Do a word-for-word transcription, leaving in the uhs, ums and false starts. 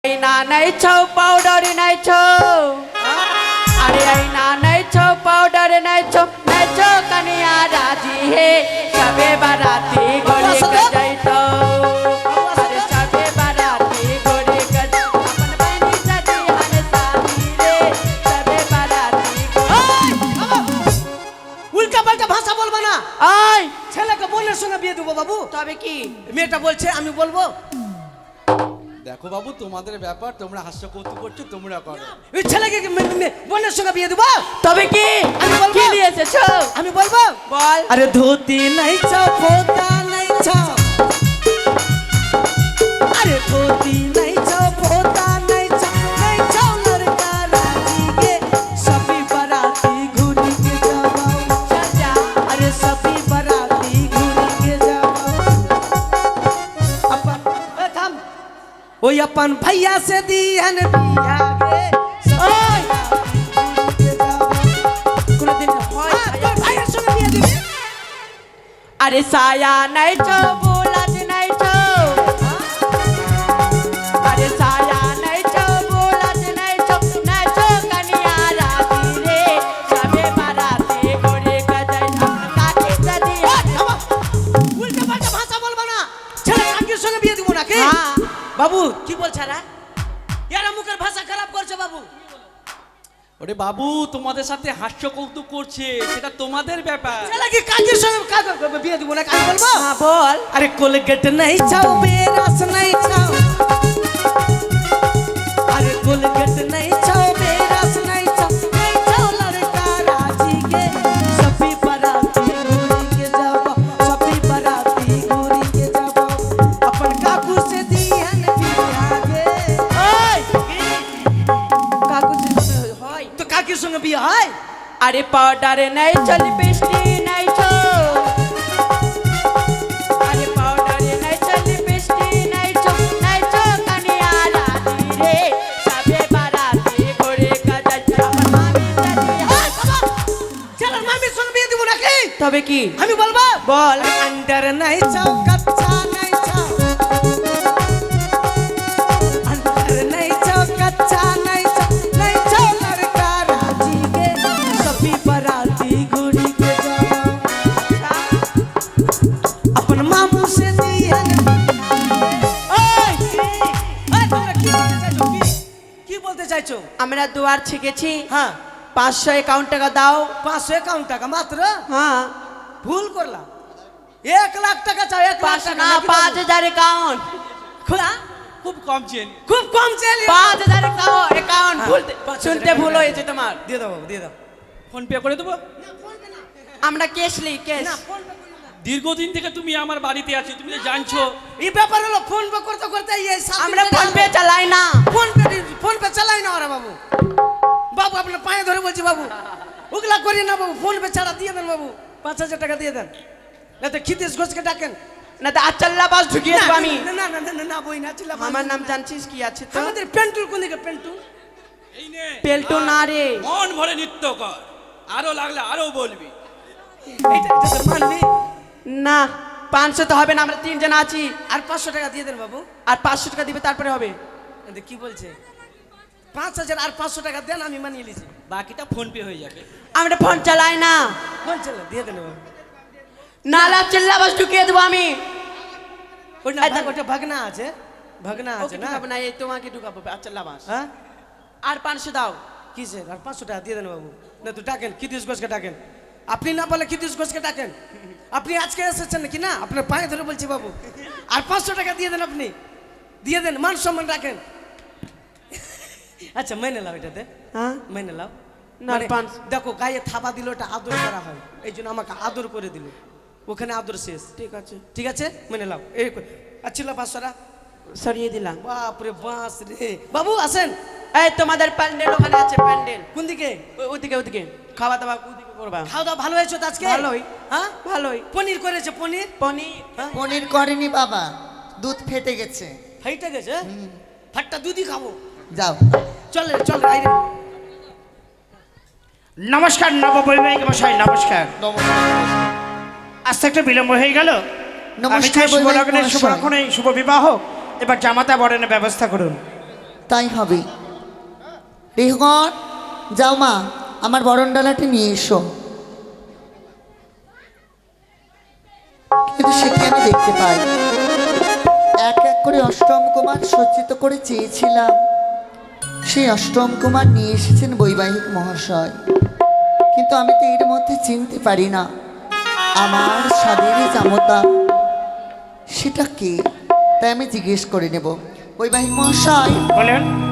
আইনা নাইছো পাউডার নাইছো আরে আইনা নাইছো পাউডার নাইছো নাইছো কনিয়া রাজি হে সবে বারাতি গড়ে যাইতো আরে সবে বারাতি গড়ে গজ अपन बनी सजी हन साथी रे सবে বারাতি উল্টা পাল্টা ভাষা বলবা না। আই ছেলেকে বোনের সঙ্গে বিয়ে দেবো বাবু। তবে কি মেয়েটা বলছে আমি বলবো। দেখো বাবু, তোমাদের ব্যাপার, তোমরা হাস্য কৌতুক করছো, তোমরা করো। ওই ছেলেকে মে- মে- বোনের সঙ্গে বিয়ে দেবো। তবে কি আমি বলবো। কি নিয়ে এসেছো আমি বলবো বল আরে ধুতি নাই চাও ফোতা নাই চাও আরে ধুতি নাই চাও ফোতা নাই চাও নাই চাও লড়কা রাজি কে সभी बाराती घूरी के जाओ সাজা अरे सभी बाराती घूरी के जाओ अपन ए थाम ओए अपन भैया से दिहन बिया गे ओए কোনদিন হয় भैया संगे बिया दिबे আরে সায়া নাইছো বোলাজ নাইছো আরে সায়া নাইছো বোলাজ নাইছো নাইছো কনিয়া রাজি রে সবে বারাতে গড়ে গজাই কাকে সদি উল্টা পাল্টা ভাষা বলবা না। ছেলে কাকির সঙ্গে বিয়ে দিব নাকি? হ্যাঁ। বাবু কি বলছ রা? এরা মুখের ভাষা খারাপ করছে বাবু। ওরে বাবু, তোমাদের সাথে হাস্য কৌতুক করছে, সেটা তোমাদের ব্যাপার। ছেলে কি কাকির সঙ্গে কাকে বিয়ে দিব না কাকে বলবো? হ্যাঁ বল अरे कोलगेट नहीं चाओ बेरस नहीं चाओ अरे कोलगेट नहीं चाओ बेरस नहीं चाओ नहीं चाओ लड़का राजी के सभी बाराती घूरी के जाओ सभी बाराती घूरी के जाओ अपन काकू से दिहन बिया गे ওই কাকু হয় तो काकीर संगे बिया है আরে পাউডারে নাইছো লিপস্টিক নাইছো আরে পাউডারে নাইছো লিপস্টিক নাইছো নাইছো কনিয়া রাজি রে সবে বারাতে গড়ে গজাই আমার মামি সদি चल मामी संगे बिया দিব নাকি তবে কি আমি বলবো বল अंदर नहीं चाओ कच्चा नहीं चाओ अंदर नहीं चाओ कच्चा नहीं चाओ नहीं चाओ लड़का राजी के सभी बाराती घूरी के जाओ अपन मामू से दिहन ओए ओए তোমরা কি বলতে চাইছো কি কি বলতে চাইছো আমরা দুয়ার ছেকেছি হ্যাঁ পাঁচশো একাউন্ট টাকা দাও পাঁচশো একাউন্ট টাকা মাত্র হ্যাঁ ভুল করলাম এক লাখ টাকা চাও এক লাখ পাঁচ টাকা না নাকি পাঁচ বাবু? হাজার একাউন্ট খোলা খুব কম চেন। খুব কম চাইলে পাঁচ হাজার একাউন্ট হ্যাঁ, ভুলতে পাঁচ হাজার শুনতে টাকা ভুল দিয়ে হয়েছে তোমার দিয়ে দাও দিয়ে দাও ফোন পে করে দেবো। আমরা কেস লি কেস দীর্ঘদিন থেকে তুমি আমার বাড়িতে আছো, তুমি তো জানছো। এই ব্যাপার হলো ফোন পে করতে করতে এই সাত আমরা ফোন পে চালাই না ফোন পে ফোন পে চালাই না ওরা বাবু বাবু আপনার পায়ে ধরে বলছি বাবু ওগুলা করি না বাবু ফোন পে ছাড়া দিয়ে দেন বাবু পাঁচ হাজার টাকা দিয়ে দেন না তো ক্ষিতেশ ঘোষকে ডাকেন না তো আচ্ছাল্লা বাস ঢুকিয়ে দেবো আমি না না না না না না বই না চিল্লা আমার নাম জানছিস কি আছে তো আমাদের পেন্টুল কোন দিকে পেন্টুল এই নে, পেল্টো না রে মন ভরে নৃত্য কর, আরো লাগলে আরো বলবি। এইটা এটা তো মানবি না পাঁচশো তো হবে না, আমরা তিনজন আছি আর পাঁচশো টাকা দিয়ে দেন বাবু আর পাঁচশো টাকা দিবে তারপরে হবে এটা কি বলছে পাঁচ হাজার আর পাঁচশো টাকা দেন আমি মানিয়ে নিয়েছি বাকিটা ফোন পে হয়ে যাবে। আমরা ফোন চালাই না বলছে না দিয়ে দেন বাবু নালা চিল্লা বাস ঢুকিয়ে দেবো আমি ওই না এই দেখো। ওটা ভাগনা আছে ভাগনা আছে ওকে না ঢুকাবো না এই তোমাকে ঢুকাবো আচ্ছাল্লা বাস হ্যাঁ আর পাঁচশো দাও কিসের আর পাঁচশো টাকা দিয়ে দেন বাবু না তো ডাকেন ক্ষিতীশ ঘোষকে ডাকেন আপনি না বলে ক্ষিতীশ ঘোষকে ডাকেন আপনি আজকে এসেছেন নাকি না আপনার পায়ে ধরে বলছি বাবু আর পাঁচশো টাকা দিয়ে দেন আপনি দিয়ে দেন মান সম্মান রাখেন আচ্ছা মেনে লাও এটাতে হ্যাঁ মেনে লাও না, মানে পাঁচ- দেখো গায়ে থাবা দিল ওটা আদর করা হয় এই জন্য আমাকে আদর করে দিল ওখানে আদর শেষ ঠিক আছে ঠিক আছে মেনে লাও এই আচ্ছিল পাঁচশোটা সরিয়ে দিলাম বাপরে বাস রে বাবু আসেন এই তোমাদের প্যান্ডেল ওখানে আছে প্যান্ডেল কোন দিকে ও- ওদিকে ওদিকে খাওয়া দাওয়া ওদিকে করবা খাওয়া দাওয়া ভালো হয়েছে তো আজকে ভালোই। হ্যাঁ ভালোই পনির করেছে পনির পনির হ্যাঁ পনির করেনি বাবা, দুধ ফেটে গেছে। ফাইটে গেছে ফাটটা দুধই খাবো যাও চল রে চল রে আই রে নমস্কার নববৈবাহিক মশাই, নমস্কার। আজ তো একটু বিলম্ব হয়ে গেল। আমি নমস্কার চাই শুভ বৈবাহিক লগ্নের শুভ মহাশয়। লক্ষণে শুভ বিবাহ এবার জামাতা বরণের ব্যবস্থা করুন। তাই হবে। রেহগণ, যাও মা, আমার বরণডালাটি নিয়ে এসো। কিন্তু সেটি আমি দেখতে পাই, এক এক করে অষ্টম কুমার সজ্জিত করে চেয়েছিলাম, সেই অষ্টম কুমার নিয়ে এসেছেন বৈবাহিক মহাশয়। কিন্তু আমি তো এর মধ্যে চিনতে পারি না আমার স্বাদেরই জামতা সেটা কে, তাই আমি জিজ্ঞেস করে নেব। বৈবাহিক মহাশয়, বলেন।